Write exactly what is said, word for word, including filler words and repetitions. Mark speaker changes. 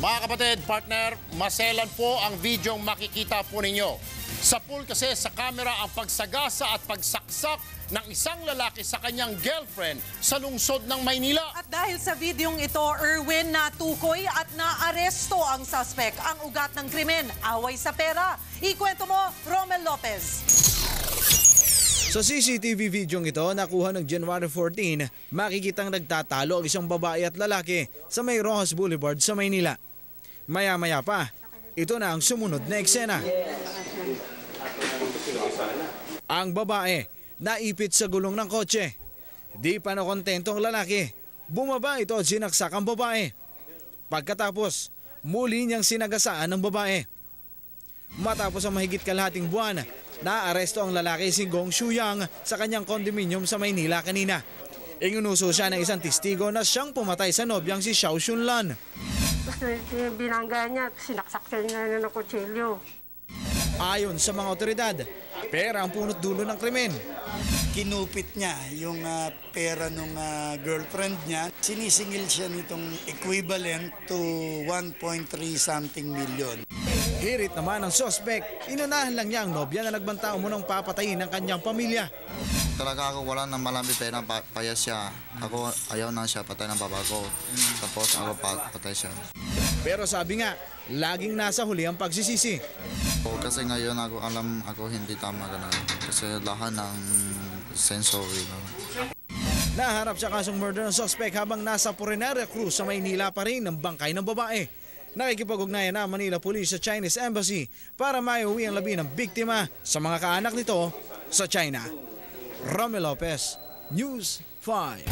Speaker 1: Mga kapatid, partner, maselan po ang videong makikita po ninyo. Sa pool kasi sa kamera ang pagsagasa at pagsaksak ng isang lalaki sa kanyang girlfriend sa lungsod ng Maynila.
Speaker 2: At dahil sa videong ito, Erwin, natukoy at naaresto ang suspect. Ang ugat ng krimen, away sa pera. Ikwento mo, Romel Lopez.
Speaker 3: Sa C C T V videong ito, nakuha ng January fourteen, makikitang nagtatalo ang isang babae at lalaki sa may Rojas Boulevard sa Maynila. Maya-maya pa, ito na ang sumunod na eksena. Ang babae, naipit sa gulong ng kotse. Di pa nakontento ang lalaki. Bumaba ito at sinaksak ang babae. Pagkatapos, muli niyang sinagasaan ng babae. Matapos ang mahigit kalahating buwan, naaresto ang lalaki si Gong Shuyang sa kanyang condominium sa Maynila kanina. Ingunuso siya ng isang testigo na siyang pumatay sa nobyang si Xiao Shunlan.
Speaker 4: Tapos binangga niya, sinaksak niya ng kutsilyo.
Speaker 3: Ayon sa mga otoridad, pera ang punot dulo ng krimen.
Speaker 5: Kinupit niya yung uh, pera ng uh, girlfriend niya. Sinisingil siya nitong equivalent to one point three something million.
Speaker 3: Hirit naman ang suspect, inunahan lang niya ang nobya na nagbanta umunong papatayin ng kanyang pamilya.
Speaker 6: Talaga ako wala nang malami pera, pa paya siya. Ako ayaw na siya patay ng baba ko. Tapos ako pa patay siya.
Speaker 3: Pero sabi nga, laging nasa huli ang pagsisisi.
Speaker 6: O, kasi ngayon ako alam ako hindi tama ka na. Kasi lahat ng sensory. No?
Speaker 3: Naharap sa kasong murder ng suspect habang nasa Purenaria Cruz sa Maynila pa rin ang bangkay ng babae. Nakikipag-ugnayan na Manila Police sa Chinese Embassy para maiuwi ang labi ng biktima sa mga kaanak nito sa China. Romel Lopez, News five.